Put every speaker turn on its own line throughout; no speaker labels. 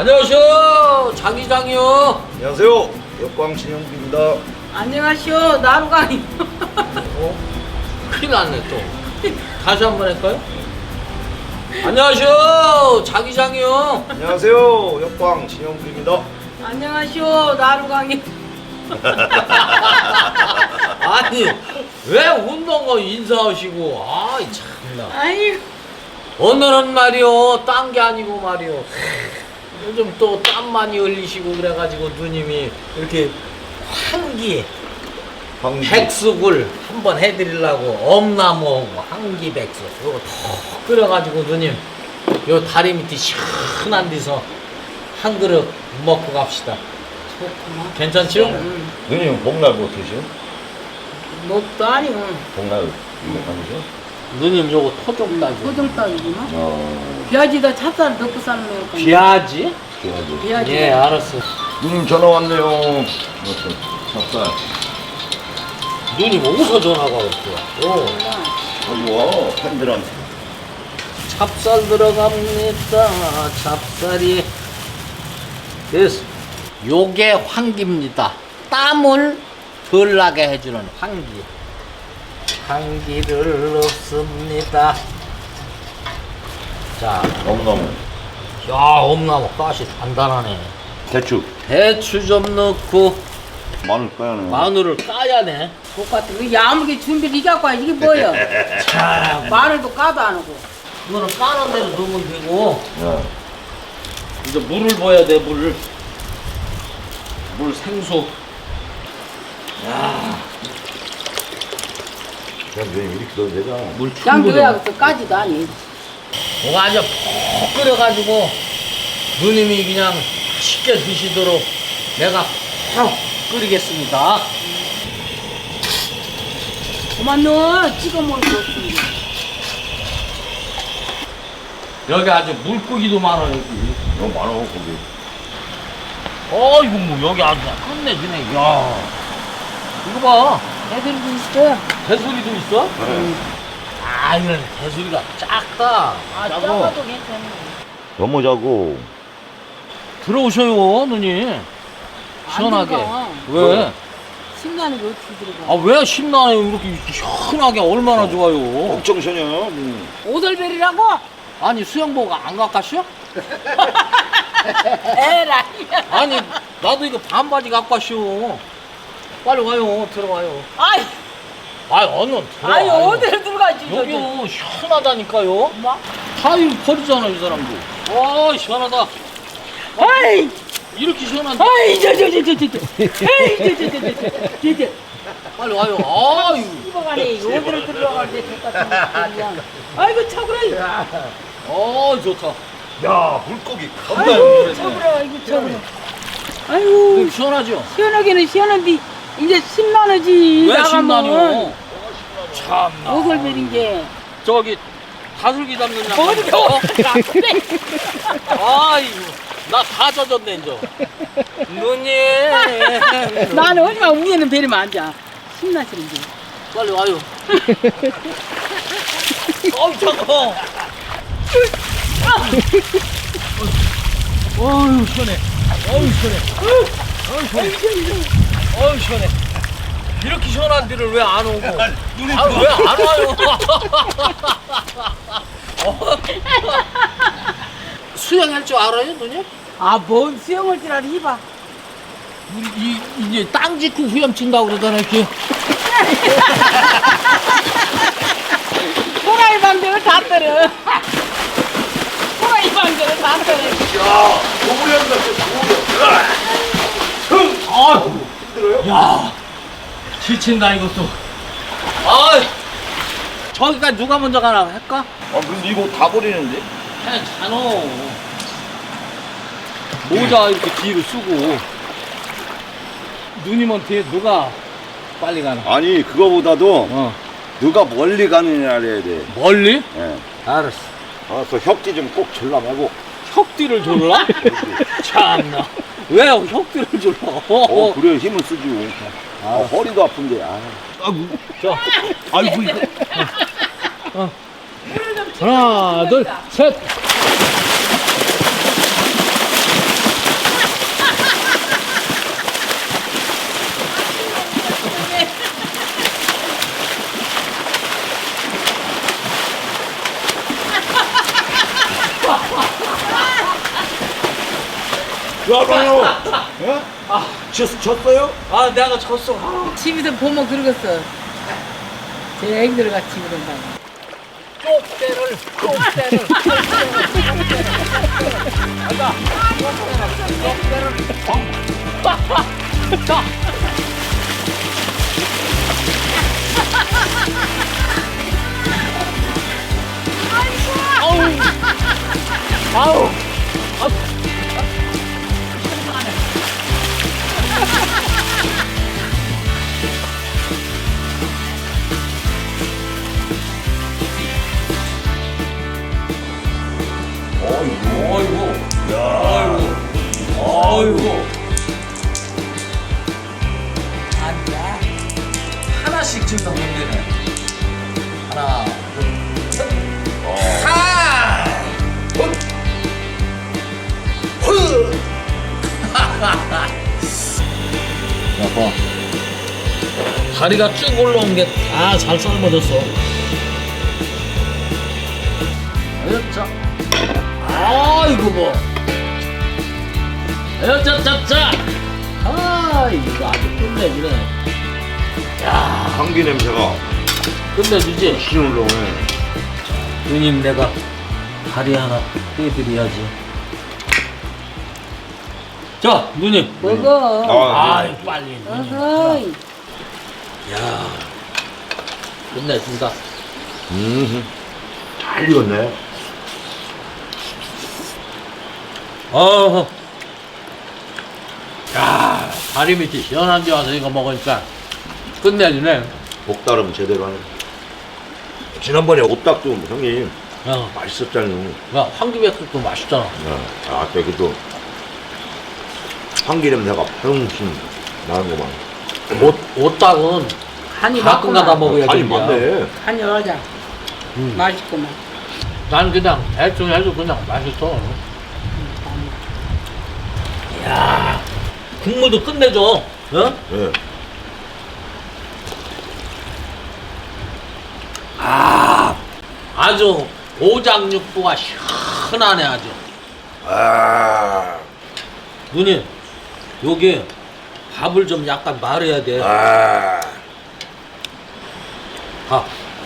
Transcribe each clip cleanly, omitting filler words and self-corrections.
안녕하세요, 장기장이요.
안녕하세요, 역광진영빈입니다.
안녕하시오, 나루강이.
큰일 났네 또. 다시 한번 할까요? 안녕하세요, 장기장이요.
안녕하세요, 역광진영빈입니다.
안녕하시오, 나루강이.
아니 왜 운동거 인사하시고 아이 참나.
아이고.
오늘은 말이요 딴 게 아니고 말이요 요즘 또 땀 많이 흘리시고 그래가지고 누님이 이렇게 환기 백숙을 한번 해드리려고 엄나무하고 환기 백숙 요거 더 끓여가지고 누님 요 다리 밑에 시원한 데서 한 그릇 먹고 갑시다. 괜찮죠?
누님 복날 뭐 드시오?
너도 아니고.
복날 이거 아니죠?
누님 요거 토종따지.
소정떡이구나. 비아지다 찹쌀 넣고 삶는 거.
비아지?
좋아하죠.
비아지.
예 알았어.
누님 전화 왔네요. 무슨 찹쌀.
누님 어디서 전화가 왔어요?
여기 와 팬들한테.
찹쌀 들어갑니다. 찹쌀이 됐어. 요게 환기입니다. 땀을 덜 나게 해주는 환기. 환기를 넣습니다. 자,
너무너무.
야 엄나무 가시 단단하네. 대추 좀 넣고
마늘 까야네.
마늘을 까야네.
똑같은 거 야무게 준비를 이갖고 와. 이게 뭐야?
자,
마늘도 까도 안 하고.
이거는 까는 대로 넣으면 되고
네.
이제 물을 부어야 돼. 물 생수. 야,
그냥 누님 이렇게 넣어도 되잖아.
물
그냥
충분히.
넣어야 또 까지도 아니.
뭐가 아주 푹 끓여가지고 누님이 그냥 맛있게 드시도록 내가 푹 끓이겠습니다.
그만 넣어. 찍어 먹을 거 없습니다.
여기 아주 물고기도 많아 여기.
너무 많아 거기.
어이구 뭐 여기 아주 끝내주네. 야 이거 봐.
애들도 있어.
개소리도 있어? 아 이건 개소리가 작다.
아,
작아.
작아도 괜찮네.
너무 자고.
들어오셔요 누님. 시원하게.
들어가.
왜?
신나는 게 어떻게 들어가?
아 왜 신나요? 이렇게 시원하게 얼마나 좋아요.
엄청 시원해요.
오돌베리라고?
아니 수영복 안 갖가시오?
에라이.
아니 나도 이거 반바지 갖고 왔쇼. 빨리 와요. 들어와요.
아이,
아이 얼른 들어와요.
아이 어디를 들어가지?
여기요 시원하다니까요.
뭐?
타일 버리잖아 이 사람도. 와 시원하다.
아이,
이렇게 시원한데.
아이, 에이,
빨리 와요. 아유.
이거가네. 어디를 들어가는데 똑같은 거. 아이고 차구라.
좋다.
야 물고기.
아이고 차구라. 아이고 차구라. 아이고
시원하죠?
시원하기는 시원한데 이제 심란하지.
왜
나가면.
신나요? 참나.
오돌베린 게.
저기 다슬기 잡는 양.
어디가?
아이고. 나 다 젖었네 이제. 누님.
나는 어디가 위에는 베리면 앉아. 신나시는데.
빨리 와요. 어우 차가워. 어우 시원해. 어우 시원해. 어우 시원해. 어우 시원해. 이렇게 시원한 데를 왜 안 오고? 아 왜 안 와요? 수영할 줄 알아요, 누님?
아, 뭔 수영을 줄 알아, 이봐.
우리 이제 땅 짓고 후렴친다고 그러잖아요, 이렇게.
호랑이 방정을 다 떨어. 호랑이 방정을 다 떨어.
야 고무리한다 고무리.
아이고. 힘들어요? 야, 지친다 이것도. 아, 저기가 누가 먼저 가나 할까?
근데 이거 다 버리는데?
괜찮어. 모자 이렇게 뒤로 쓰고. 누님한테 누가 빨리 가나?
아니 그거보다도 누가 멀리 가느냐를 해야 돼.
멀리?
예.
알았어.
알았어 협지 좀 꼭 졸라 말고.
혁띠를 졸라? 참나. 왜 혁띠를 졸라?
그래 힘을 쓰지. 허리도 아픈데. 아이고.
자, 아이고 이거. 하나, 둘, 셋.
나가요. 예? 졌어요?
아 내가 졌어. 아.
집에서 보면 그러겠어. 제 애기들 같이 그런다.
쪽대를 가자. 쪽대를 자. 아우 어이구 어이구 아니야 하나씩 찍는 문제네. 하나 둘셋 하! 봐. 다리가 쭉 올라온 게 다 잘 삶아졌어. 자, 아이고 뭐. 자자자. 아 이거 아주 끝내주네. 야
감기 냄새가
끝내주지.
신 올라오네.
누님 내가 다리 하나 떼드려야지. 자 누님.
먹어.
아이 빨리 누님.
어허이.
야 끝내준다.
잘 익었네.
어허. 야 다리 밑이 시원한 데 와서 이거 먹으니까 끝내주네.
복다름 제대로 하네. 지난번에 오딱도 형님
야,
맛있었잖아요.
야 황기백숙도 맛있잖아.
아, 저기도 향기 냄새가 훨씬 나는구만.
오딱은
한이
가끔 가다
맞구만.
먹어야
간이
된다.
많네.
한이 하자. 맛있구만.
난 그냥 대충 해도 그냥 맛있어. 야 국물도 끝내줘. 어?
예.
아 아주 오장육부가 시원하네 아주.
아,
누님 여기 밥을 좀 약간 말아야 돼.
아.
밥.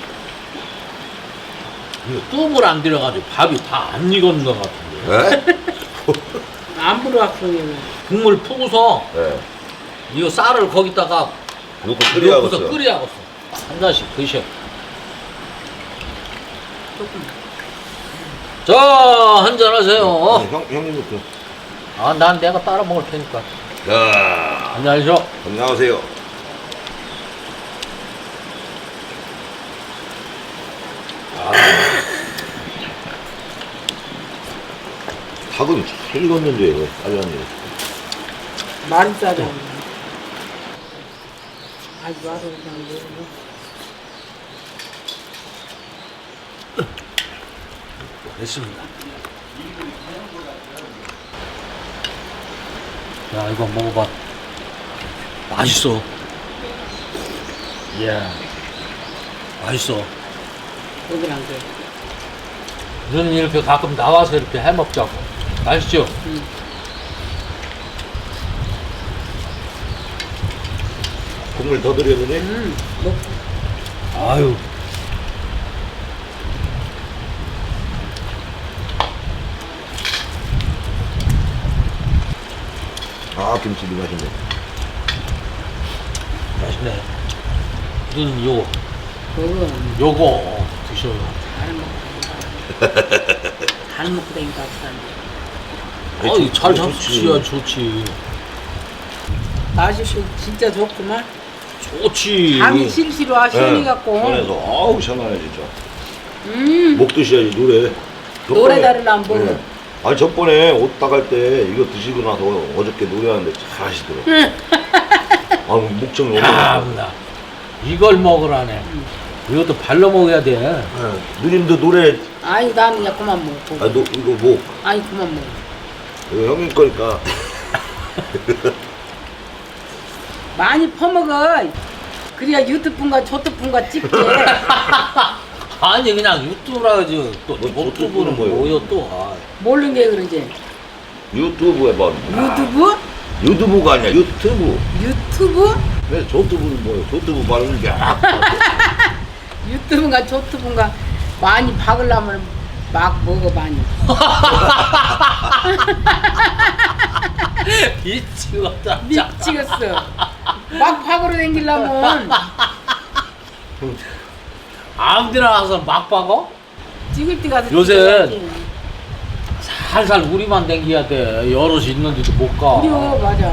이거 뚝을 안 들여가지고 밥이 다 안 익은 것 같은데.
예?
안 불어왔으면.
국물 푸고서
예.
이거 쌀을 거기다가
넣고
넣고서
끓여야겠어.
끓여야겠어. 한 잔씩 드셔. 자, 한잔 하세요.
형님부터.
아, 난 내가 따라 먹을 테니까.
자,
안녕하세요.
안녕하세요. 닭은 잘 익었는데 빨리 왔네.
말이 싸잖아. 아주 와서 그냥 먹어.
됐습니다. 야, 이거 먹어봐. 맛있어. 예. 맛있어.
여기랑 그.
너는 이렇게 가끔 나와서 이렇게 해 먹자고. 맛있죠?
국물 더 드렸느니?
먹고.
아유.
아, 김치도 맛있네.
맛있네. 너는 요거,
그거
요거 드셔요.
잘 먹고 다니까 없었는데.
아이, 잘
좋지.
잡수셔야 좋지.
맛있고 진짜 좋구만.
좋지.
감이 실시로 시원해 갖고.
시원해서 아우 시원하네 진짜. 목 드셔야지 노래.
노래 다르려면 뭐.
네. 아니 저번에 옷 따갈 때 이거 드시고 나서 어저께 노래하는데 잘 하시더라고. 아 목청이 너무
참나. 이걸 먹으라네. 이것도 발로 먹어야 돼.
네. 누님도 노래
아니 나는 그냥 그만 먹고.
아 이거 뭐
아니 그만 먹어.
이거 형님 거니까
많이 퍼먹어. 그래야 유튜브인가 조트분가 찍게.
아니 그냥 유튜브라 하지. 또
뭐
유튜브는
뭐예요?
뭐요 또. 아.
모르는 게 그러지.
유튜브 해봐.
유튜브?
유튜브가 아니야 유튜브.
유튜브?
왜 조튜브는 뭐예요? 조튜브 발음이 게
유튜브인가 조튜브인가 많이 박으려면 막 먹어 많이.
미치겠다.
미치겠어. 막 박으러 댕기려면
아무데나 가서 막 박어?
찍을 때 가서
요새
찍어야지.
살살 우리만 댕겨야 돼. 여럿이 있는데도 못 가.
그래요 맞아.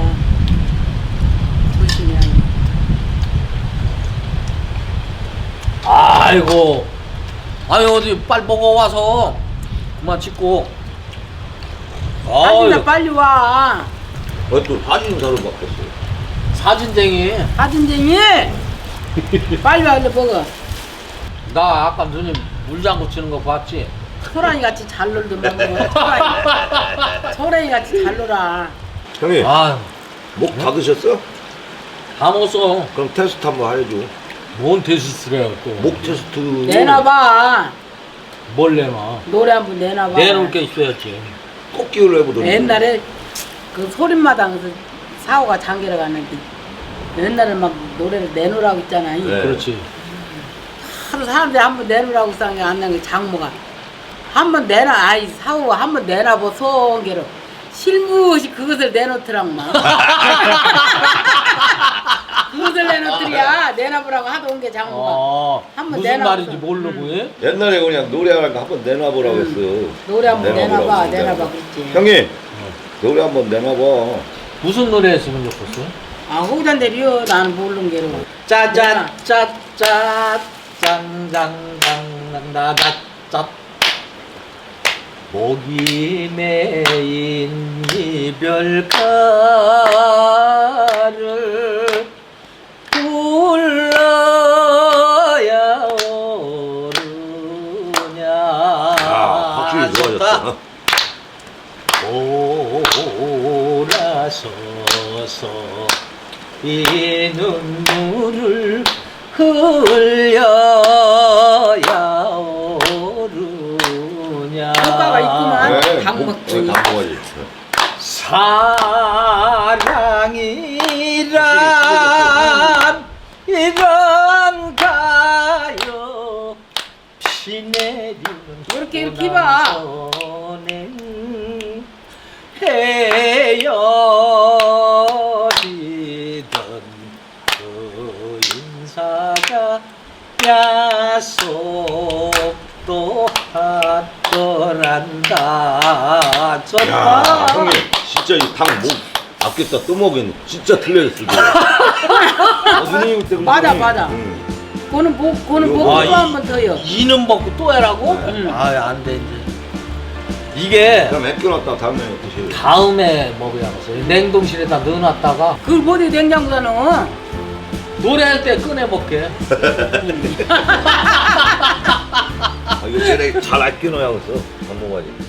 조심해야 돼.
아이고. 아니 어디 빨리 먹어 와서 그만 찍고.
사진나
아유,
빨리 와.
또 사진사로 바뀌었어.
사진쟁이.
사진쟁이 빨리 와 얼른 먹어.
나 아까 누님 물장구 치는 거 봤지?
소란이 같이 잘 놀더만 소란이 같이 잘 놀아.
형님
아유,
목 닫으셨어?
다 먹었어.
그럼 테스트 한번 해줘.
뭔 테스트래요 또.
목 테스트.
내놔봐.
뭘 내놔?
노래 한 번 내놔봐.
내놓을 게 있어야지.
꽃기를 해보더니.
옛날에 그 소림마당에서 사오가 장계러 갔는데 옛날에 막 노래를 내놓으라고 했잖아.
네.
그렇지.
하루 사람들이 한 번 내놓으라고 쌍게 안 나게 장모가 한 번 내놔. 아이 사오가 한 번 내놔보 송계로 실무시 그것을 내놓더란만. 그것을 내놓더리야. 내놔보라고 하도 온 게 장모가. 한번
무슨
내놔보자.
말인지 모르고 해?
옛날에 그냥 노래하는 거 한번 내놔보라고 했어.
노래 한 번
내놔보라고
내놔봐.
했어,
내놔봐 그랬지.
형님 노래 한번 내놔봐.
무슨 노래 했으면 좋겠어?
아 호기단 대리요. 나는 모르는 게로.
짜잔 짜짜 짱장장장다다짜 목이 메인 이별가를 불러야 오르냐.
확실히 좋아졌다.
돌아서서 이 눈물을 흘려야 오르냐.
효과가 있구만.
네,
당먹지.
당먹지.
사랑이란 이런가요. 피 내리는
이렇게 이렇게 봐.
손엔 헤어지던 그 인사가 약속도 하더란다.
야 형님 진짜 이 당 목 아꼈다 또 먹였네. 진짜 틀려졌어. 누님 그때
맞아, 맞아. 그거는
이거
보고
아,
또 한 번 더요.
이는 먹고 또 해라고?
응.
안 돼, 이제. 이게
그럼 아껴놨다 다음에 드세요.
다음에 먹어야겠어. 냉동실에다 넣어놨다가
그걸 못해 냉장고에 넣어.
노래할 때 꺼내 먹게.
아, 이거 쟤네 잘 아껴놔야겠어. 안 먹어야지.